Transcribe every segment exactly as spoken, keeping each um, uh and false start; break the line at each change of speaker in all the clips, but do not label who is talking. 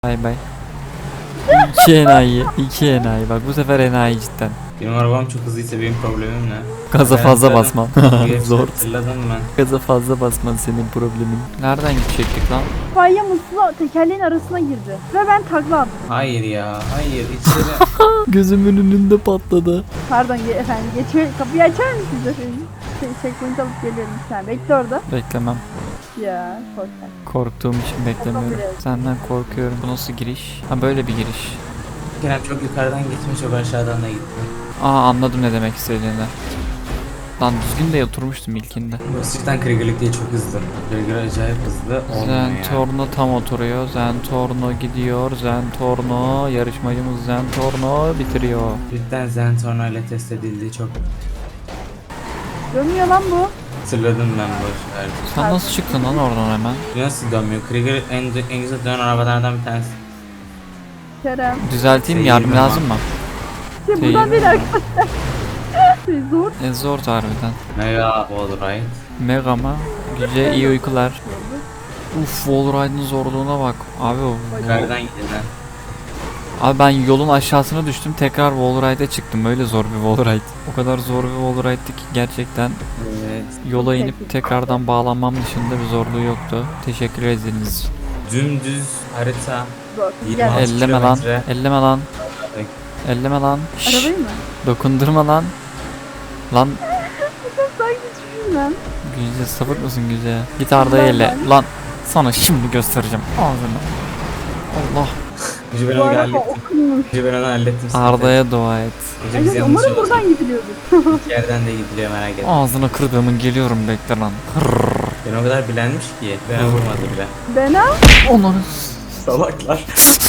Bay bay. İki enayi, iki enayi. Bak bu sefer enayi cidden.
Benim arabam çok hızlıysa benim problemim ne?
Gaza
Ben
fazla
hatırladım.
basman.
Bir
Zor.
Hatırladım ben.
Gaza fazla basman senin problemin. Nereden gidecektik lan?
İtfaiye musluğu tekerleğin arasına girdi. Ve ben takla attım.
Hayır ya, hayır içeri.
Gözümün önünde patladı.
Pardon ge- efendim geçiyor. Kapıyı açar mısınız efendim? Şey, checkpoint alıp geliyorum bir saniye. Bekle orada.
Beklemem.
Ya korkak.
Korktuğum için beklemiyorum.
Yapabiliriz.
Senden korkuyorum. Bu nasıl giriş? Ha böyle bir giriş.
Kerem çok yukarıdan gitme, çok aşağıdan da gitme.
Aa anladım ne demek istediğini. Lan düzgün de oturmuştum ilkinde.
Bu cidden Krieger'lık değil, çok hızlı. Krieger acayip hızlı olmuyor yani.
Zentorno tam oturuyor. Zentorno gidiyor. Zentorno yarışmacımız Zentorno bitiriyor.
Cidden Zentorno ile test edildiği çok
Dönmüyor lan bu.
hatırladım ben boş ver.
Sen nasıl çıktın lan oradan hemen?
Nasıl dönmüyor? Krieger en, en güzel dönen arabalardan bir tanesi.
Kerem.
Düzelteyim mi?
Şey
Yardım
yiyeyim
lazım mı?
Şey
Değil.
buradan değil arkadaşlar. Şey zor.
E zor harbiden.
Mega Wallride.
Mega mı? Güce iyi uykular. Uf Wallride'ın zorluğuna bak. Abi o.
Yukarıdan giden.
Abi ben yolun aşağısına düştüm. Tekrar Wallride'e çıktım. Öyle zor bir Wallride. O kadar zor bir Wallride'di ki gerçekten
Evet.
yola inip tekrardan bağlanmam dışında bir zorluğu yoktu. Teşekkür ederiz.
Dümdüz harita.
Zor.
yirmi
Gel.
altı
Elleme lan.
kilometre.
Elleme lan. Elleme lan. Şşş,
Arabayı mı?
dokundurma lan. Lan
Sanki düşürüm lan.
Güce sapık mısın Güce? Git Arda'ya elle. Lan sana şimdi göstereceğim. Ağzını. Allah.
Önce ben
Bu
onu
araba
hallettim.
okunmuş.
Önce ben onu hallettim.
Arda'ya dua et.
Önce biz
Evet,
yanlış
umarım
yola
buradan gidiliyordur.
çıktık. İki yerden de gidiliyor, merak etme.
Ağzına kırdığımın geliyorum bekle lan. Hırrrr.
Ben o kadar bilenmiş ki. Ben vurmadı bile.
Ben ha?
Onları.
Salaklar.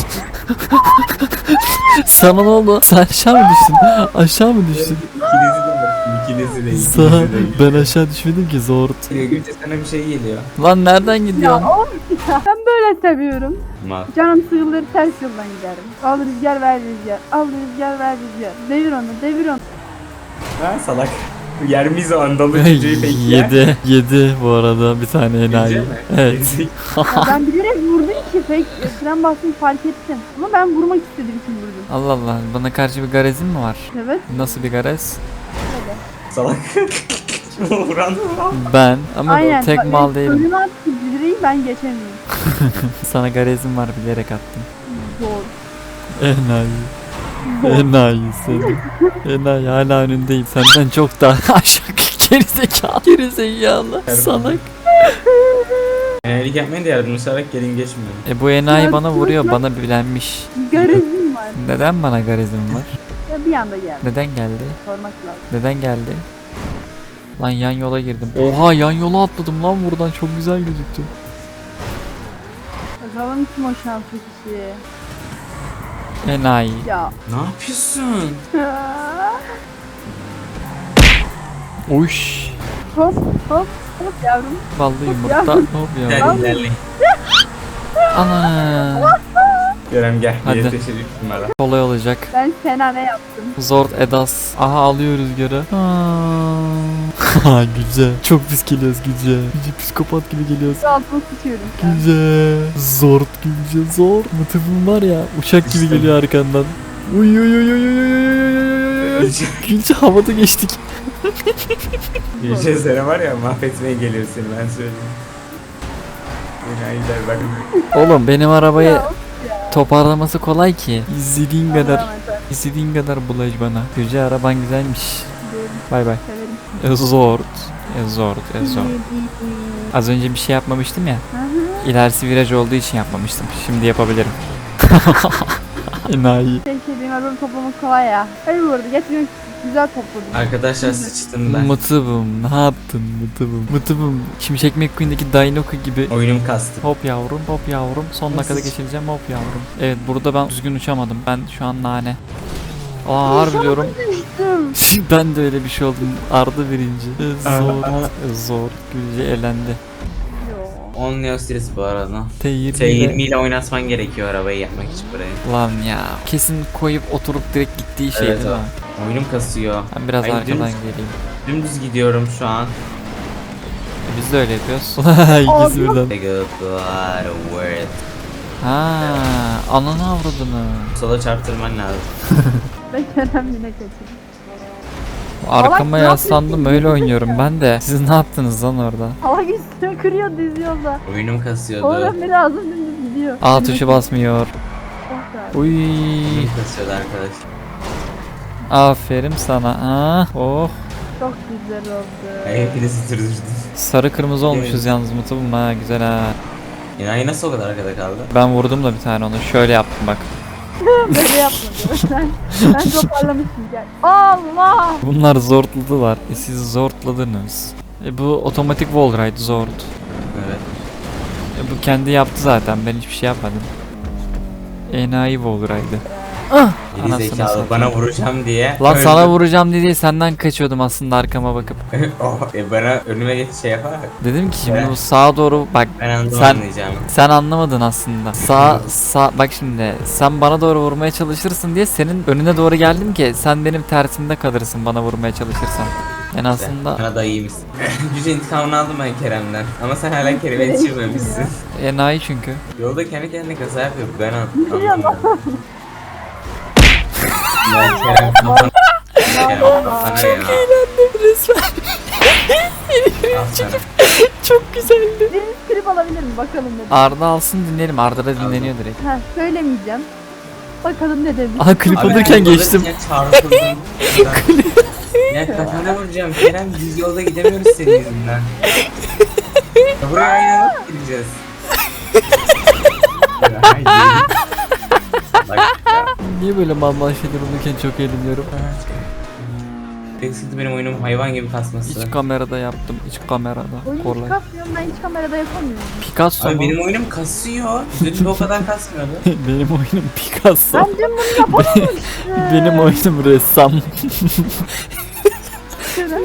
Sana ne oldu? Sen aşağı mı düştün? Aşağı mı düştün?
İkinizi de bıraktım. İkinizi de.
Sağ.
İkinizi de.
Ben aşağı düşmedim ki zor.
Gülce sana bir şey geliyor.
Lan nereden
Ya
gidiyorsun?
oğlum ya. Ben böyle seviyorum.
Mal.
Canım sıkılır ters yoldan giderim. Al rüzgar ver rüzgar. Al rüzgar ver rüzgar. Devir onu devir onu.
Ha salak. Yer miyiz o andalı çocuğu peki ya?
Yedi. Yedi bu arada bir tane enayi.
Gülce mi?
Evet.
Gerizek-
Ya ben bilerek vurdum ki fake fren bastım fark ettim. Ama ben vurmak istediğim için vurdum.
Allah Allah. Bana karşı bir garezin mi var?
Evet.
Nasıl bir garez?
Öyle.
Salak. Vuran vuran.
Ben. Ama
Aynen.
tek
bak,
mal değilim.
Önüne attı direği ben geçemiyorum.
Sana garezim var bilerek attım.
Zor.
Enayi. Enayi seni. Enayi hala önündeyim. Senden çok daha aşağı gerizekalı. Gerizekalı. Salak.
Enayilik yapmayın da yardımcı olarak gelin geçmiyor.
E bu enayi
Ya,
bana vuruyor.
ya.
Bana bilenmiş.
Garezim var.
Neden bana garezim var?
Ya bir anda geldi.
Neden geldi?
Sormak lazım.
Neden geldi? Lan yan yola girdim. Oha yan yola atladım lan buradan. Çok güzel gözüktü.
Bakalım kim o şanslı kişi.
Enayi.
Ya.
Ne yapıyorsun?
Uş.
hop hop hop yavrum.
Vallahi yumurta.
Ya.
Hop ya.
Gel ilerleyin.
Ana.
Kerem gel.
Hadi.
Hadi. Teşekkür bana.
Kolay olacak.
Ben Sena ne yaptım?
Zord Edas. Aha alıyor rüzgarı. Ha güzel. Çok pis geliyoruz Güce. Güce psikopat gibi geliyoruz.
Şu altına sıçıyorum şu an.
Güce. Zord Güce zor. Mıtıfım var ya uçak gibi geliyor arkandan. Uy uy uy uy uy uy uy uy uy. Güce havada geçtik.
Gülce seni var ya mahvetmeye geliyor seni, ben söyleyeyim. Enayiler bak.
Oğlum benim arabayı
Ya, of ya.
toparlaması kolay ki. İzlediğin kadar.
Allah'ım emanet.
İstediğin kadar bulaş bana. Güce araban güzelmiş.
Diyorum,
Bay bay.
severim.
Zord. Zord. Zord.
İyi, iyi, iyi.
Az önce bir şey yapmamıştım ya.
Hı hı.
İlerisi viraj olduğu için yapmamıştım. Şimdi yapabilirim. Enayi.
Şey şey benim arabamı toplamak kolay ya. Hayır bu arada gerçekten güzel topladım.
Arkadaşlar sıçtım ben.
Mıtıbım ne yaptın mıtıbım. Mıtıbım. Şimşek McQueen'deki Dinoku gibi.
Oyunum kastı.
Hop yavrum hop yavrum. Son dakikada geçireceğim hop yavrum. Evet burada ben düzgün uçamadım. Ben şu an nane. Aa harbi diyorum.
Düştüm.
Ben de öyle bir şey oldum. Arda birinci. Zor. Zor. Gülce elendi.
Yo.
on Neo Series bu arada.
T yirmi
T
ile.
yirmi ile oynatman gerekiyor arabayı yapmak için burayı.
Lan ya. Kesin koyup oturup direkt gittiği şey
Evet,
değil mi?
o. Oyunum kasıyor.
Ben biraz
Ay,
arkadan
dümdüz-
geleyim.
Dümdüz gidiyorum şu an.
E, Biz de öyle yapıyoruz. İkisi birden.
Take a blood worth.
Ha, ananı avradını.
Sola çarptırman lazım.
Ben Kerem yine kaçırdım.
Arkama
ne
yaslandım
yapıyorsun?
öyle oynuyorum ben de. Siz ne yaptınız lan orada?
Hava üstüne kırıyor düz yolda.
Oyunum kasıyordu.
Oradan biri ağzım dümdüz gidiyor.
A tuşu basmıyor.
Oh be.
Uy.
Oyunum kasıyordu arkadaş.
Aferin sana. Ha, oh.
Çok güzel oldu.
Ben hepinizi sürdürdüm.
Sarı kırmızı olmuşuz
Evet.
yalnız Mutlu'm ha, güzel ha.
İnayi nasıl o kadar arkada kaldı?
Ben vurdum da bir tane onu. Şöyle yaptım bak.
Böyle yapmadı. Ben, ben toparlamışım gel. Allah!
Bunlar zortladılar. E siz zortladınız. E bu otomatik wall ride zord.
Evet.
E bu kendi yaptı zaten. Ben hiçbir şey yapmadım. Enayi wall ride'ı. Ah!
Geri
Anasını
zekalı
satayım.
bana vuracağım diye.
Lan
öldüm.
sana vuracağım diye senden kaçıyordum aslında arkama bakıp.
Oh, e bana önüme geç şey yapar.
Dedim ki şimdi
Evet.
bu sağa doğru bak.
Ben anladım
Sen-
anlayacağım.
Sen anlamadın aslında. Sağ sağ bak şimdi sen bana doğru vurmaya çalışırsın diye senin önüne doğru geldim ki sen benim tersimde kalırsın bana vurmaya çalışırsan. Yani aslında
Bana da iyi misin? Gücü intikamını aldım ben Kerem'den. Ama sen hala Kerem'e yetişirmemişsin.
enayi çünkü.
Yolda kendi kendine kaza yapıyor. Ben an-
Biliyor musun?
anlamadım. Ya Kerem kafana. Kerem kafana ya.
resmen.
Al sana.
Çok güzeldi.
Biriniz klip alabilir mi? Bakalım ne.
Arda alsın dinleyelim. Arda da dinleniyor direkt.
Ha söylemeyeceğim. Bakalım ne demiş.
Aha klip
Abi
alırken
ben
geçtim.
alırken çarpıldım. Ya kafana vuracağım Kerem, biz yolda gidemiyoruz senin yüzünden. Ya buraya aynı alıp gideceğiz. Ya, hayır. Bak ya.
Niye böyle mal mal şeyler olurken çok eğleniyorum.
Tek sıkıntı benim oyunum hayvan gibi kasması.
İç kamerada yaptım. İç kamerada.
Oyunu hiç
Korlay.
kasmıyorum ben hiç kamerada yapamıyorum.
Picasso
Abi
mu?
benim oyunum kasıyor. Dün de o kadar kasmıyordu.
Benim oyunum Picasso.
Ben dün bunu yapamamıştım.
Benim oyunum ressam.
Kerem,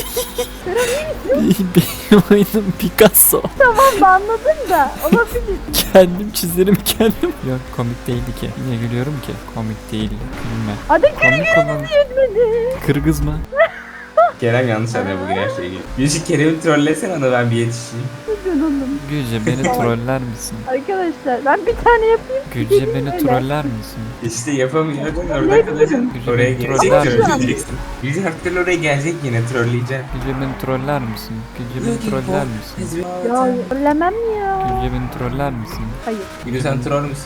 Benim oyunum Picasso.
tamam da anladım da olabilir.
Kendim çizerim kendim. Yok komik değildi ki. Niye gülüyorum ki? Komik değil. Gülme.
Hadi
Komik olan
yetmedi.
Kırgız mı?
Kerem yanlış anlıyor bugün her şeyi. Gülşü Kerem'i trollesene ona ben bir yetişeyim.
Hadi oğlum.
Gülce beni troller misin?
Arkadaşlar ben bir tane yapayım.
Gülce beni
Öyle.
troller misin?
İşte yapamıyordun orada
Ne
kalacaksın.
Gülce
Oraya
beni
gelecek
troller misin?
trolleyeceksin. Gülce her türlü oraya gelecek yine trolleyeceksin.
Gülce beni troller misin? Gülce beni troller misin?
Ya söylemem ya.
Gülce beni troller misin?
Hayır.
Gülü sen troll müsün?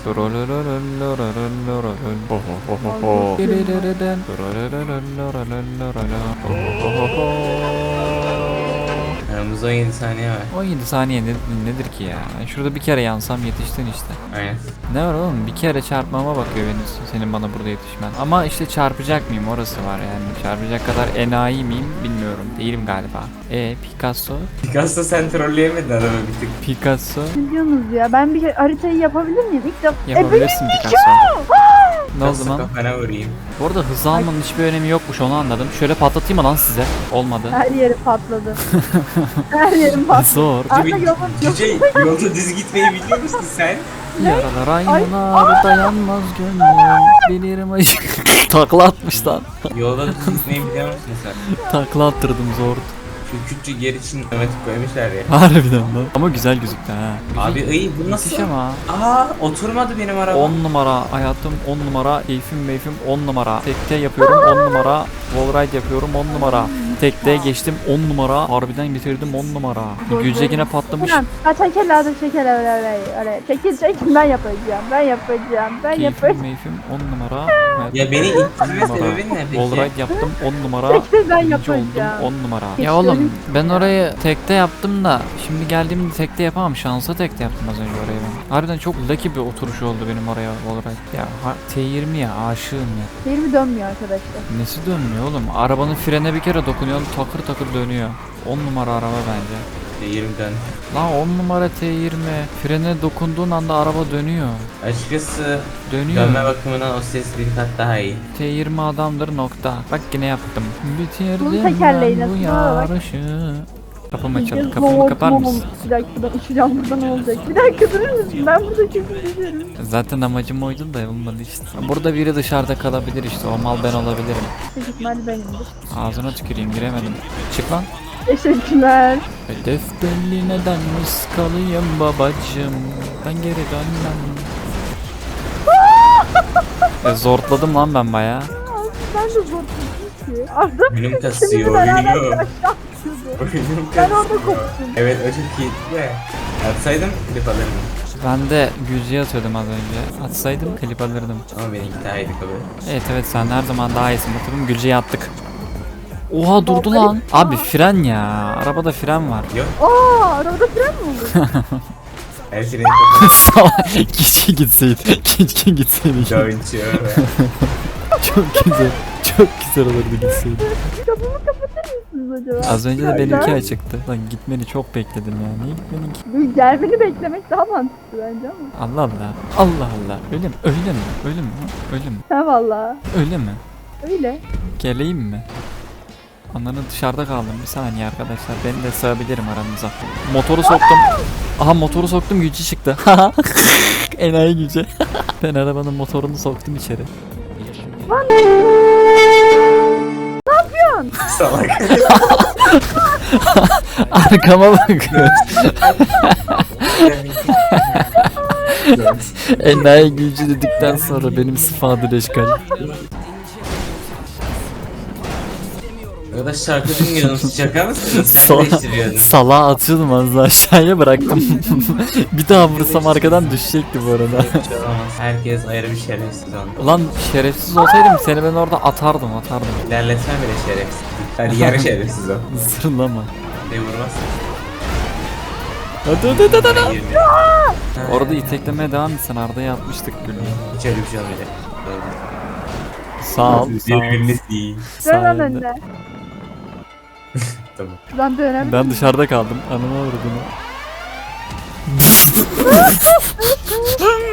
Aramızda on yedi saniye var.
on yedi saniye nedir, nedir ki ya? Şurada bir kere yansam yetiştin işte.
Aynen.
Ne var oğlum? Bir kere çarpmama bakıyor benim senin bana burada yetişmen. Ama işte çarpacak mıyım orası var yani. Çarpacak kadar enayi miyim bilmiyorum. Değilim galiba. E Picasso?
Picasso sen trolleyemedin adamı bir tık.
Picasso?
Ne diyorsunuz ya? Ben bir haritayı yapabilir miyim? İlk defa.
Yapabilirsin Picasso. Ne oldu
Picasso
lan?
kafana vurayım.
Bu arada hız almanın hiçbir önemi yokmuş onu anladım. Şöyle patlatayım mı lan size? Olmadı.
Her yeri patladı. Her yerim patladı.
Zor.
Arda
Cüce,
yolun
Cüce yolda düz gitmeyi biliyor musun sen?
Yaralar aynalar dayanmaz gönlüm. Bilirim acı. Takla atmış lan.
Yolda düz gitmeyi biliyor musun sen?
Takla attırdım zor.
Şu küçük yer için otomatik koymuşlar ya.
Harbiden lan. Ama güzel gözüktü ha.
Abi iyi bu nasıl?
Müthiş ama.
Aa oturmadı benim araba.
on numara hayatım on numara keyfim meyfim on numara tekte yapıyorum on numara wallride yapıyorum on numara tekte geçtim on numara harbiden bitirdim on numara Gülce yine patlamış
Tamam. Ha çekil hadi çekil öyle öyle öyle. Çekil çekil ben yapacağım. Ben yapacağım. Ben
keyfim
yapacağım.
meyfim on numara
Ya beni ittirme sebebin ne peki?
wallride yaptım on numara
Çekil ben
birinci oldum
yapacağım.
on numara
Hiç
ya oğlum
görün-
ben orayı tekte yaptım da şimdi geldiğimde tekte yapamam şansa tekte yaptım az önce orayı ben harbiden çok lucky bir oturuş oldu benim oraya wallride ya ha- T yirmi ya aşığım ya.
Yerimi dönmüyor arkadaşlar.
Nesi dönmüyor oğlum? Arabanın frene bir kere dokunuyorsun takır takır dönüyor. on numara araba bence.
yirmi dön.
Lan on numara T yirmi. Frene dokunduğun anda araba dönüyor.
Açıkçası
Dönüyor.
dönme bakımından o ses bir kat daha iyi.
T yirmi adamdır nokta. Bak yine yaptım.
Bunun
Bitirdim
tekerleği
ben bu
nasıl? Bak.
yarışı. Kapımı açalım.
Yiyeceğiz,
Kapımı
bom,
kapar
bom.
mısın?
Bir dakika ben uçacağım buradan ne olacak? Bir dakika durur musun? Ben burada çok üzülüyorum.
Zaten amacım oydu da olmadı işte. Burada biri dışarıda kalabilir işte. O mal ben olabilirim.
Büyük ihtimalle benimdir.
Ağzına tüküreyim giremedim. Çık lan.
Teşekkürler.
Hedef belli neden ıskalıyım babacım. Ben geri dönmem. e, zortladım lan ben baya.
Ben de zor tuttum ki. Arda
Oyunum kasıyor
şimdi beraber
oyunum.
aşağı atıyordu.
Oyunum
Ben orada
kasıyor.
koptum.
Evet o çok iyiydi de. Atsaydım klip alırdım.
Ben de Gülce'ye atıyordum az önce. Atsaydım klip alırdım.
Ama benimki daha iyiydi kabul.
Evet evet sen her zaman daha iyisin. Bakalım Gülce'ye attık. Oha durdu lan. Abi fren ya. Arabada fren var.
Yok.
Aa arabada fren mi olur?
Her freni kapalı.
Salak. Keşke gitseydi. Keşke gitseydi.
Joinçi öyle.
Çok güzel. Çok güzel olurdu gitseydi.
Kapımı kapatır mısınız acaba?
Az önce de
Ben-
benimki açıktı. Lan gitmeni çok bekledim ya. Niye gitmedin ki?
Bu gelmeni beklemek daha mantıklı bence ama.
Allah Allah. Allah Allah. Öyle mi? Öyle mi? Öyle mi? Öyle mi?
Ha valla.
Öyle mi?
Öyle.
Geleyim mi? Ananı dışarıda kaldım. Bir saniye arkadaşlar. Beni de sığabilirim aranıza. Motoru soktum. Aha motoru soktum gücü çıktı. Enayi gücü. Ben arabanın motorunu soktum içeri.
Salak.
Arkama bak. Enayi gücü dedikten sonra benim sıfadır eşkal.
Arkadaş şarkı dinliyorsunuz. Şaka mısınız? Sen
Sala,
değiştiriyorsun.
salağa atıyordum az daha aşağıya bıraktım. Bir daha vursam arkadan düşecekti bu arada.
Hiç olamaz. Herkes ayrı bir şerefsiz oldu.
Ulan şerefsiz olsaydım seni ben orada atardım atardım.
İlerletme bile şerefsiz. Hadi yarı şerefsiz o.
Zırlama.
Ne vurmaz.
Hadi hadi hadi hadi.
Yirmi.
Orada iteklemeye devam etsen Arda'ya atmıştık gülü.
Hiç öyle bir şey olmayacak.
Sağ ol. Sağ ol.
Birbiriniz değil.
Dön lan
Sayende.
önüne.
Tamam.
Şuradan dönem.
Ben dışarıda kaldım. Anıma vurdum.